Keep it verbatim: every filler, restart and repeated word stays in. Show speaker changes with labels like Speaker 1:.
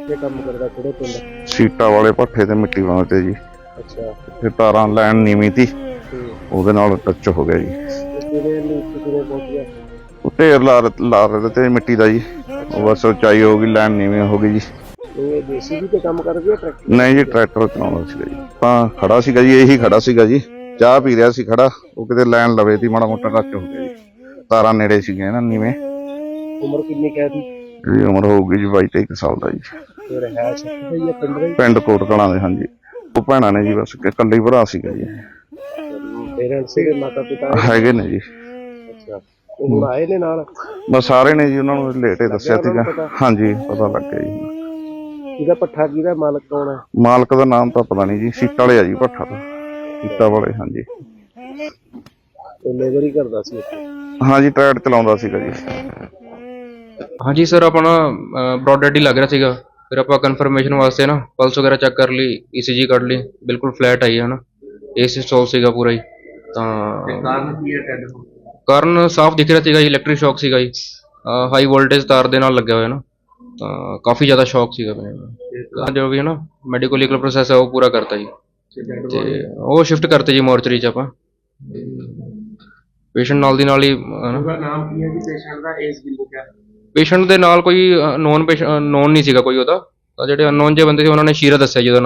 Speaker 1: ਕਿੱਥੇ ਕੰਮ ਕਰਦਾ, ਕਿਹੜੇ ਪਿੰਡ?
Speaker 2: ਸੀਟਾਂ ਵਾਲੇ ਭੱਠੇ ਤੇ ਮਿੱਟੀ ਪਾਉਂਦੇ ਤੇ ਜੀ।
Speaker 1: ਅੱਛਾ।
Speaker 2: ਤੇ ਤਾਰਾਂ ਲੈਣ ਨੀਵੀਂ ਤੀ, ਉਹਦੇ ਨਾਲ ਟੱਚ ਹੋ ਗਿਆ ਜੀ।
Speaker 1: ਕਿਵੇਂ ਨੀਚੇ ਕਿਵੇਂ ਪਹੁੰਚ ਗਿਆ?
Speaker 2: ਉਹ ਢੇਰ ਲਾ ਲਾ ਰਹੇ ਤੇ ਮਿੱਟੀ ਦਾ ਜੀ, ਉਹ ਬਸ ਉਚਾਈ ਹੋ ਗਈ, ਲੈਣ ਨੀਵੀਂ ਹੋ ਗਈ ਜੀ।
Speaker 1: ਇਹ ਜੇਸੀਬੀ ਤੇ ਕੰਮ ਕਰਦੀ ਹੈ ਟਰੈਕਟਰ?
Speaker 2: ਨਹੀਂ ਜੀ, ਟਰੈਕਟਰ ਚਲਾਉਂਦਾ ਸੀਗਾ ਜੀ। ਤਾਂ ਖੜਾ ਸੀਗਾ ਜੀ, ਇਹੀ ਖੜਾ ਸੀਗਾ ਜੀ, ਚਾਹ ਪੀ ਰਿਹਾ ਸੀ ਖੜਾ, ਉਹ ਕਿਤੇ ਲੈਣ ਲਵੇ ਤੀ, ਮਾੜਾ ਮੋਟਾ ਟੱਚ ਹੋ ਗਿਆ ਜੀ। ਤਾਰਾਂ ਨੇੜੇ ਸੀਗੀਆਂ ਨਾ ਨੀਵੇਂ।
Speaker 1: ਉਮਰ ਕਿੰਨੀ ਕਹਿ ਦੀ?
Speaker 2: ਇਹਦੀ ਉਮਰ ਹੋਊਗੀ ਜੀ ਬਾਈ ਤੇਈ ਸਾਲ ਦਾ ਜੀ।
Speaker 1: ਤੇ ਰਹਿائش ਕਿੱਥੇ ਹੀ ਹੈ, ਪਿੰਡ ਦੇ?
Speaker 2: ਪਿੰਡ ਕੋਟ ਕਲਾਂ ਦੇ। ਹਾਂਜੀ, ਉਹ ਭੈਣਾਂ ਨੇ ਜੀ, ਬਸ ਇਕੱਲੇ ਭਰਾ ਸੀਗਾ ਜੀ।
Speaker 1: ਪੇਰੈਂਟਸ ਦੇ ਮਾਤਾ ਪਿਤਾ
Speaker 2: ਹੈਗੇ ਨੇ ਜੀ।
Speaker 1: ਅੱਛਾ, ਉਹ ਹੁਣ ਆਏ ਨੇ ਨਾਲ?
Speaker 2: ਬਸ ਸਾਰੇ ਨੇ ਜੀ, ਉਹਨਾਂ ਨੂੰ ਲੇਟੇ ਦੱਸਿਆ ਸੀਗਾ। ਹਾਂਜੀ, ਪਤਾ ਲੱਗ ਗਿਆ ਜੀ।
Speaker 1: ਇਹਦਾ ਪੱਠਾ ਕਿਹਦਾ, ਮਾਲਕ ਕੌਣ ਹੈ?
Speaker 2: ਮਾਲਕ ਦਾ ਨਾਮ ਤਾਂ ਪਤਾ ਨਹੀਂ ਜੀ, ਸੀਟਾਂ ਵਾਲੇ ਆ ਜੀ ਭੱਠਾ ਤੋਂ, ਸੀਟਾਂ ਵਾਲੇ। ਹਾਂਜੀ,
Speaker 1: ਤੇ ਲੇਬਰ ਹੀ ਕਰਦਾ ਸੀ ਇੱਥੇ?
Speaker 2: ਹਾਂਜੀ, ਟਰੈਕਟਰ ਚਲਾਉਂਦਾ ਸੀਗਾ ਜੀ।
Speaker 3: ਹਾਂਜੀ ਸਰ, ਆਪਣਾ ਬ੍ਰੌਡ ਡੈਡ ਹੀ ਲੱਗ ਰਿਹਾ ਸੀਗਾ। ਫਿਰ ਆਪਾਂ ਕਨਫਰਮੇਸ਼ਨ ਵਾਸਤੇ ਨਾ ਪਲਸ ਵਗੈਰਾ ਚੈੱਕ ਕਰ ਲਈ, ਈਸੀਜੀ ਕੱਢ ਲਈ, ਬਿਲਕੁਲ ਫਲੈਟ ਆਈ ਹੈ ਨਾ, ਏਸੀ ਸਟੋਲ ਸੀਗਾ ਪੂਰਾ ਹੀ। ਤਾਂ
Speaker 1: ਕਾਰਨ ਕੀ ਹੈ ਡੈਡ ਹੋਣ?
Speaker 3: ਕਾਰਨ ਸਾਫ਼ ਦਿਖ ਰਿਹਾ ਸੀਗਾ ਜੀ, ਇਲੈਕਟ੍ਰਿਕ ਸ਼ੌਕ ਸੀਗਾ ਜੀ, ਹਾਈ ਵੋਲਟੇਜ ਤਾਰ ਦੇ ਨਾਲ ਲੱਗਿਆ ਹੋਇਆ ਨਾ, ਤਾਂ ਕਾਫੀ ਜ਼ਿਆਦਾ ਸ਼ੌਕ ਸੀਗਾ ਮੈਨੂੰ। ਜੋ ਵੀ ਹੈ ਨਾ ਮੈਡੀਕਲ ਲੀਗਲ ਪ੍ਰੋਸੈਸ ਹੈ ਉਹ ਪੂਰਾ ਕਰਤਾ ਜੀ, ਤੇ ਉਹ ਸ਼ਿਫਟ ਕਰਤੇ ਜੀ ਮੋਰਚਰੀ 'ਚ ਆਪਾਂ। ਪੇਸ਼ੈਂਟ ਨਾਲ ਦੀ ਨਾਲ ਹੀ।
Speaker 1: ਉਹਦਾ ਨਾਮ ਕੀ ਹੈ ਜੀ ਪੇਸ਼ੈਂਟ ਦਾ, ਏਜ ਕਿੰਨੀ ਹੈ?
Speaker 3: ਪੇਸ਼ੈਂਟ ਦੇ ਨਾਲ ਕੋਈ ਨੋਨ ਪੇਸ਼ੈਂਟ ਨੋਨ ਨਹੀਂ ਸੀਗਾ ਕੋਈ ਉਹਦਾ, ਜਿਹੜੇ ਅਨਨੋਨ ਜਿਹੇ ਬੰਦੇ ਸੀ ਉਹਨਾਂ ਨੇ ਸ਼ੀਰਾ ਦੱਸਿਆ ਜੀ ਉਹਦਾ ਨਾਮ।